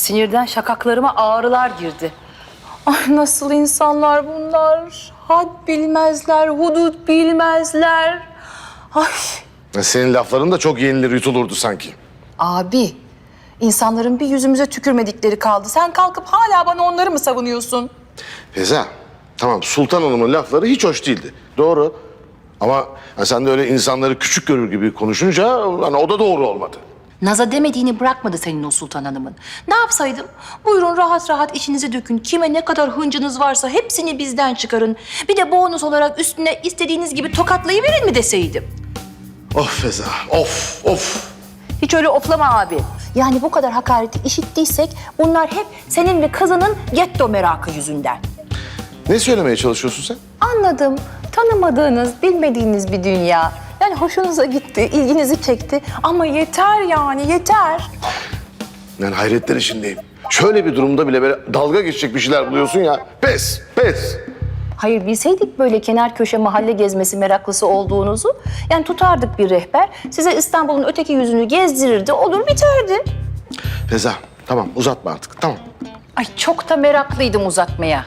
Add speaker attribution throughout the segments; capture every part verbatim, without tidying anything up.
Speaker 1: sinirden şakaklarıma ağrılar girdi. Ay nasıl insanlar bunlar? Had bilmezler, hudut bilmezler. Ay.
Speaker 2: Senin lafların da çok yenilir yutulurdu sanki.
Speaker 1: Abi, insanların bir yüzümüze tükürmedikleri kaldı. Sen kalkıp hala bana onları mı savunuyorsun?
Speaker 2: Feza, tamam Sultan Hanım'ın lafları hiç hoş değildi. Doğru. Ama ha, sen de öyle insanları küçük görür gibi konuşunca hani o da doğru olmadı.
Speaker 1: Naza demediğini bırakmadı senin o Sultan Hanım'ın. Ne yapsaydım? Buyurun rahat rahat işinizi dökün. Kime ne kadar hıncınız varsa hepsini bizden çıkarın. Bir de bonus olarak üstüne istediğiniz gibi tokatlayıverin mi deseydim?
Speaker 2: Of Feza, of, of.
Speaker 1: Hiç öyle oflama abi. Yani bu kadar hakareti işittiysek bunlar hep senin ve kızının getto merakı yüzünden.
Speaker 2: Ne söylemeye çalışıyorsun sen?
Speaker 1: Anladım. Tanımadığınız, bilmediğiniz bir dünya. Yani hoşunuza gitti, ilginizi çekti. Ama yeter yani, yeter.
Speaker 2: Yani hayretler içindeyim. Şöyle bir durumda bile böyle dalga geçecek bir şeyler buluyorsun ya. Pes, pes.
Speaker 1: Hayır bilseydik böyle kenar köşe mahalle gezmesi meraklısı olduğunuzu... yani tutardık bir rehber, size İstanbul'un öteki yüzünü gezdirirdi, olur biterdi.
Speaker 2: Feza, tamam uzatma artık, tamam.
Speaker 1: Ay çok da meraklıydım uzatmaya.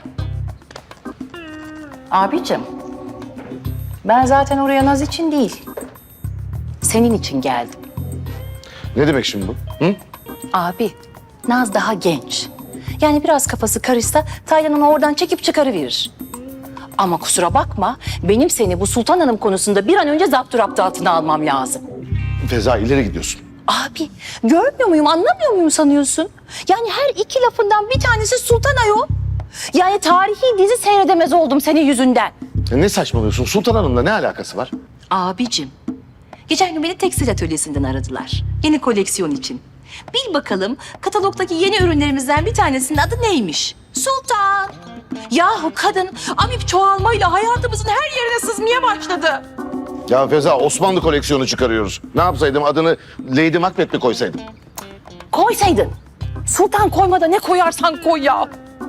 Speaker 1: Abicim, ben zaten oraya Naz için değil, senin için geldim.
Speaker 2: Ne demek şimdi bu? Hı?
Speaker 1: Abi, Naz daha genç. Yani biraz kafası karışsa Taylan onu oradan çekip çıkarıverir. Ama kusura bakma, benim seni bu Sultan Hanım konusunda bir an önce zapturapt altına almam lazım.
Speaker 2: Feza ileri gidiyorsun.
Speaker 1: Abi, görmüyor muyum, anlamıyor muyum sanıyorsun? Yani her iki lafından bir tanesi Sultan Ayol. Yani tarihi dizi seyredemez oldum senin yüzünden.
Speaker 2: Ya ne saçmalıyorsun? Sultan Hanım'la ne alakası var?
Speaker 1: Abicim, geçen gün beni tekstil atölyesinden aradılar. Yeni koleksiyon için. Bil bakalım katalogdaki yeni ürünlerimizden bir tanesinin adı neymiş? Sultan. Yahu kadın amip çoğalmayla hayatımızın her yerine sızmaya başladı.
Speaker 2: Ya Feza Osmanlı koleksiyonu çıkarıyoruz. Ne yapsaydım adını Lady Macbeth mi koysaydım?
Speaker 1: Koysaydın. Sultan koymada ne koyarsan koy ya.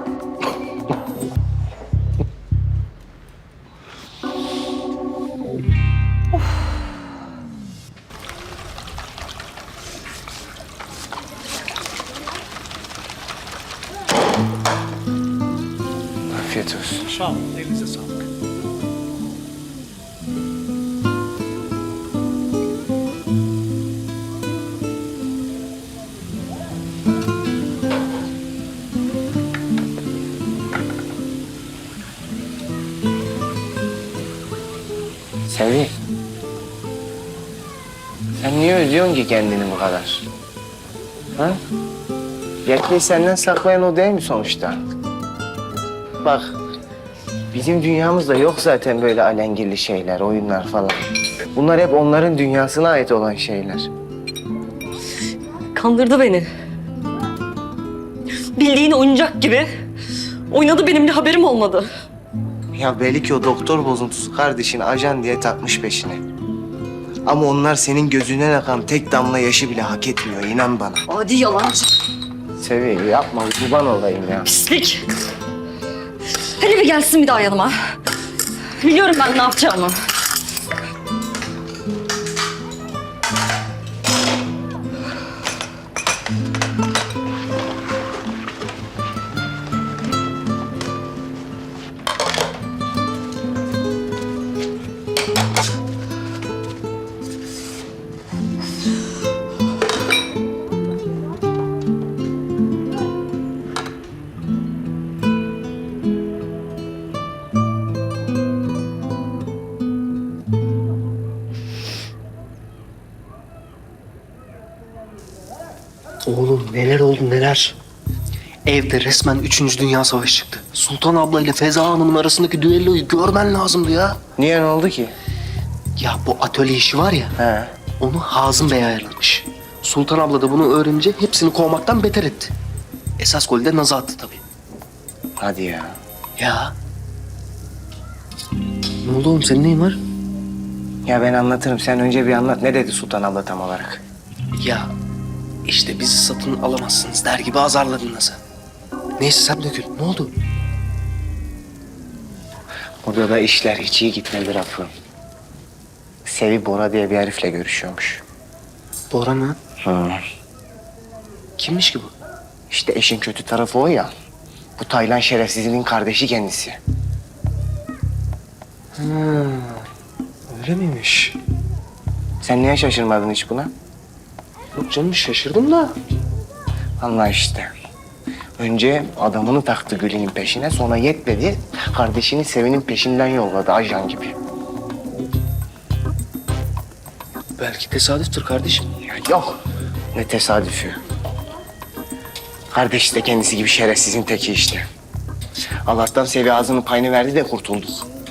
Speaker 2: Afiyet olsun.
Speaker 3: Sağ olun, elinize sağlık.
Speaker 4: Sevi. Sen niye üzüyorsun ki kendini bu kadar? Ha? Gerçeği senden saklayan o değil mi sonuçta? Bak, bizim dünyamızda yok zaten böyle alengirli şeyler, oyunlar falan. Bunlar hep onların dünyasına ait olan şeyler.
Speaker 5: Kandırdı beni. Bildiğin oyuncak gibi. Oynadı, benim de haberim olmadı.
Speaker 4: Ya belli ki o doktor bozuntusu kardeşin ajan diye takmış peşine. Ama onlar senin gözünden akan tek damla yaşı bile hak etmiyor, inan bana.
Speaker 5: Adi yalancı.
Speaker 4: Sevi, yapma, kurban olayım ya.
Speaker 5: Pislik. Hele bir gelsin bir daha yanıma. Biliyorum ben ne yapacağımı.
Speaker 6: Oğlum neler oldu neler. Evde resmen Üçüncü Dünya Savaşı çıktı. Sultan abla ile Feza Hanım'ın arasındaki düelloyu görmen lazımdı ya.
Speaker 4: Niye, ne oldu ki?
Speaker 6: Ya bu atölye işi var ya,
Speaker 4: He.
Speaker 6: onu Hazım Bey ayarlamış. Sultan abla da bunu öğrenince hepsini kovmaktan beter etti. Esas golü de Naz'a attı tabii.
Speaker 4: Hadi ya.
Speaker 6: Ya. Ne oldu oğlum, senin neyin var?
Speaker 4: Ya ben anlatırım. Sen önce bir anlat. Ne dedi Sultan abla tam olarak?
Speaker 6: Ya işte bizi satın alamazsınız der gibi azarladın Naz'ı. Neyse sen dökül, ne oldu?
Speaker 4: Burada da işler hiç iyi gitmedi Rafı. Sevi Bora diye bir herifle görüşüyormuş.
Speaker 6: Bora mı?
Speaker 4: Hı.
Speaker 6: Kimmiş ki bu?
Speaker 4: İşte eşin kötü tarafı o ya. Bu Taylan şerefsizinin kardeşi kendisi.
Speaker 6: Öyle miymiş?
Speaker 4: Sen niye şaşırmadın hiç buna?
Speaker 6: Yok canım şaşırdım da.
Speaker 4: Allah işte. Önce adamını taktı Gül'ün peşine, sonra yetmedi. Kardeşini Sevin'in peşinden yolladı ajan gibi.
Speaker 6: Belki tesadüftür kardeşim.
Speaker 4: Ya yok. Ne tesadüfü. Kardeş de kendisi gibi şerefsizin teki işte. Allah'tan Sevi ağzının payını verdi de kurtulduk.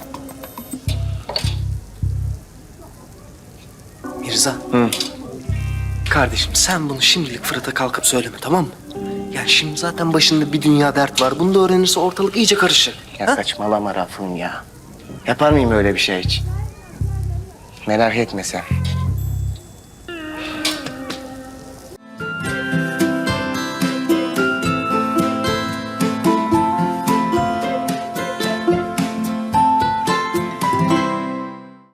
Speaker 6: Mirza.
Speaker 4: Hı.
Speaker 6: Kardeşim sen bunu şimdilik Fırat'a kalkıp söyleme tamam mı? Yani şimdi zaten başında bir dünya dert var. Bunu da öğrenirse ortalık iyice karışır.
Speaker 4: Ya
Speaker 6: Ha?
Speaker 4: saçmalama Rafım ya. Yapar mıyım öyle bir şey hiç? Merak etme sen.